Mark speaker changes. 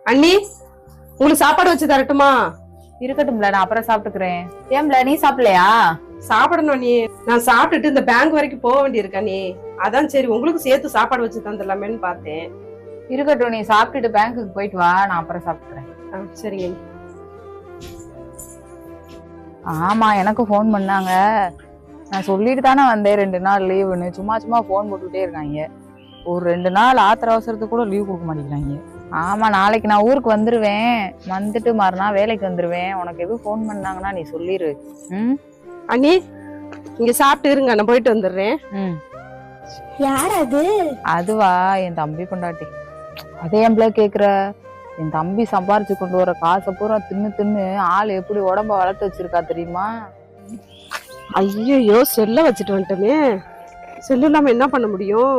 Speaker 1: அண்ணி, உங்களுக்கு சாப்பாடு வச்சு தரட்டுமா?
Speaker 2: இருக்கட்டும்ல, நான் அப்புறம் சாப்பிட்டுக்கிறேன். ஏம்ல நீ சாப்பிடலையா?
Speaker 1: சாப்பிடணும் அண்ணி. நான் சாப்பிட்டுட்டு இந்த பேங்க் வரைக்கும் போக வேண்டியிருக்கு அண்ணி. அதான் சரி உங்களுக்கு சேர்த்து சாப்பாடு வச்சு தந்துடலாமேன்னு பார்த்தேன்.
Speaker 2: இருக்கட்டும், நீ சாப்பிட்டுட்டு பேங்க்குக்கு போயிட்டு வா, நான் அப்புறம் சாப்பிட்டுக்கிறேன்.
Speaker 1: சரிங்க அண்ணி.
Speaker 2: ஆமா, எனக்கு ஃபோன் பண்ணாங்க. நான் சொல்லிட்டு தானே வந்தேன் 2 நாள் லீவுன்னு. சும்மா சும்மா ஃபோன் போட்டுக்கிட்டே இருக்காங்க. ஒரு 2 நாள் ஆத்திர அவசரத்துக்கு கூட லீவ் கொடுக்க மாட்டேங்கிறாங்க. ஆமா, நாளைக்கு நான் ஊருக்கு வந்துருவேன். வந்துட்டு மறுநாள் வேலைக்கு வந்துருவேன். உனக்கு எதுவும் ஃபோன் பண்ணாங்கன்னா நீ சொல்லிரு.
Speaker 1: அண்ணி, இங்க சாப்பிட்டு இருங்க, நான் போயிட்டு வந்துடுறேன்.
Speaker 3: யார் அது?
Speaker 2: அதுவா, என் தம்பி கொண்டாட்டி. அதே எம்பள கேக்குற? என் தம்பி சம்பாரிச்சு கொண்டு வர காசை பூரா தின்னு தின்னு ஆள் எப்படி உடம்ப வளர்த்து வச்சிருக்கா தெரியுமா?
Speaker 1: ஐயோ, செல்ல வச்சுட்டு வந்துட்டோமே. செல்லு இல்லாம என்ன பண்ண முடியும்?